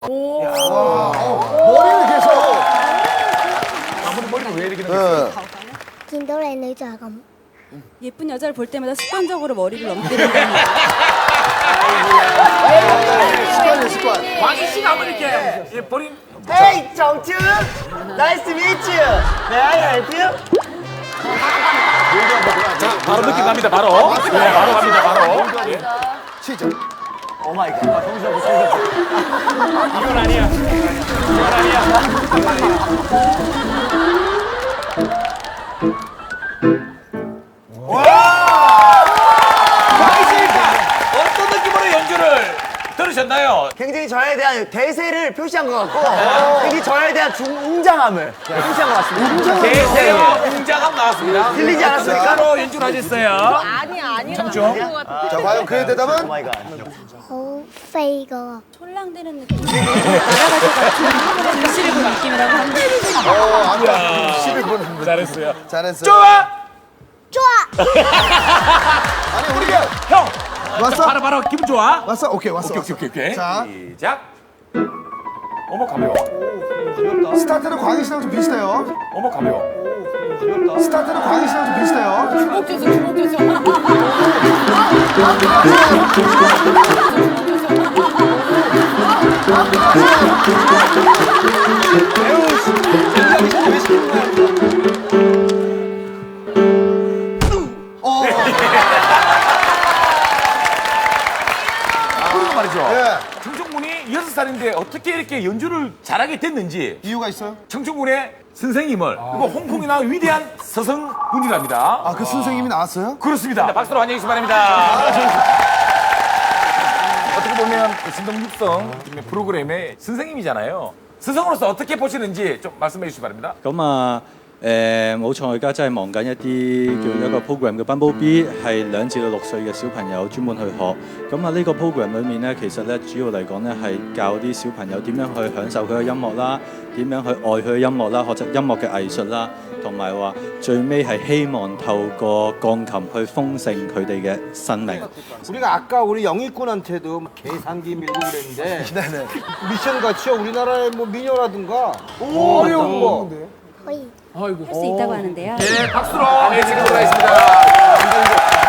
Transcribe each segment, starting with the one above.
오. 머리를 계속. 아무리 머리를 왜 이렇게 넘겼어요? 見到靚女就係咁。 예쁜 여자를 볼 때마다 습관적으로 머리를 넘기는 습관이에요, 습관. 광희 씨가 한번 이렇게 예, 버린. Hey, 정준! Nice to meet you! May I help you? 자, 바로 느낌 갑니다, 바로. 네, 바로 갑니다, 바로. 예. 시작. 오 마이 갓. 이건 아니야. 이건 아니야. 광희 씨, 어떤 느낌으로 연주를 들으셨나요? 굉장히 저에 대한 대세를 표시한 것 같고 굉장히 저에 대한 웅장함을 표시한 것 같습니다. 대세와 웅장함 나왔습니다. 들리지 않았습니까? 바로 연주를 하셨어요. 아니. 청중. 자, 과연 그의 오 대답은? 마이 갓. 好飛噶， 촐랑대는 느낌. 날아갈 것 같은 눈시를 본 느낌이라고 합니다. 아까 11분. 잘했어요. 잘했어요. 좋아! 抓！ 아니, 우리가. 형! 왔어? 바로 기분 좋아? 왔어? 오케이, 왔어. 오케이. 자, 시작. 어머 가벼워. 스타트는 광희 씨랑 좀 비슷해요. 어머 가벼워. 스타트는 광희 씨랑 좀 비슷해요. 그리고 말이죠. 예. 청춘군이 6살인데 어떻게 이렇게 연주를 잘하게 됐는지 이유가 있어요? 청춘군의 선생님을 그리고 홍콩이나 위대한 서성군이랍니다. 아, 그 선생님이 나왔어요? 그렇습니다. 박수로 환영해 주시기 바랍니다. 어떻게 보면 그 신동육성 프로그램의 선생님이잖아요. 스승으로서 어떻게 보시는지 좀 말씀해 주시기 바랍니다. 咁啊，冇錯，我而家真係忙緊一啲叫一個 program 嘅 Bumblebee，係2至到6歲嘅小朋友專門去學。咁啊，呢個 program 裏面咧，其實咧主要嚟講咧係教啲小朋友點樣去享受佢嘅音樂啦，點樣去愛佢嘅音樂啦，學習音樂嘅藝術啦，同埋話最尾係希望透過鋼琴去豐盛佢哋嘅生命。 우리가 아까 우리 영희꾼한테도 막 계산기 밀고 그랬는데 미션 같이요 우리나라의 뭐 미녀라든가 어려운 거 可以。 할 수 있다고 하는데요. 네, 박수로 예측해보도록 하겠습니다.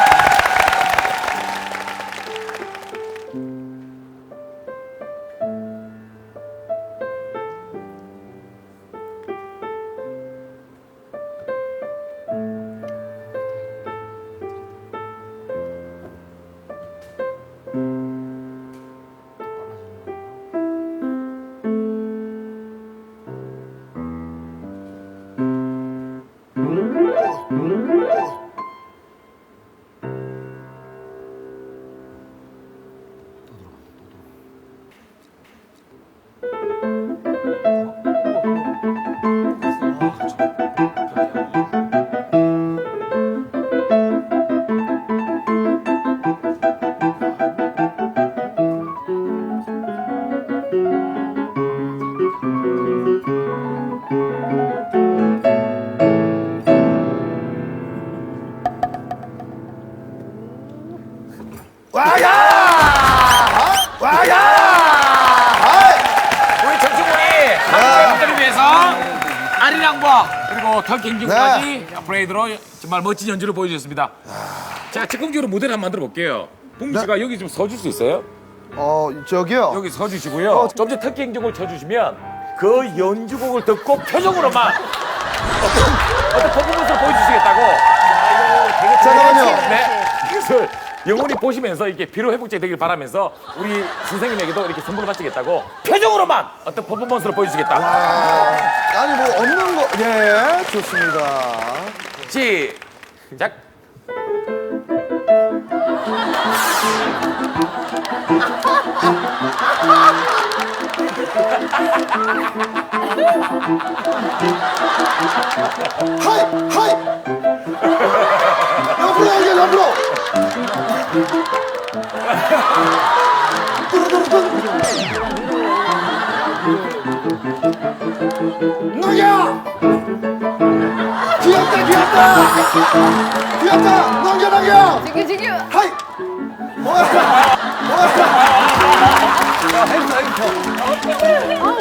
우리 청춘군이 한국분들을 위해서 아리랑과 그리고 털갱기까지 브레이드로 정말 멋진 연주를 보여주셨습니다. 자, 즉흥적으로 무대를 한번 만들어 볼게요. 봉주 씨가 여기 좀 서줄 수 있어요? 저기요. 여기 서주시고요. 좀 전에 특기행적을 쳐주시면 그 연주곡을 듣고 표정으로만 어떤 퍼포먼스를 보여주시겠다고. 잠깐만요. 네. 그래서 영원히 보시면서 이렇게 피로 회복제 되길 바라면서 우리 선생님에게도 이렇게 선물을 바치겠다고 표정으로만 어떤 퍼포먼스를 보여주시겠다. 아니, 뭐, 없는 거. 예, 좋습니다. 시작. 하이! 하이! 옆으로 가야지, 옆으로! 넘겨! 귀엽다, 귀엽다! 귀엽다! 넘겨, 넘겨! 지금. 하이! 뭐야? 햄스터.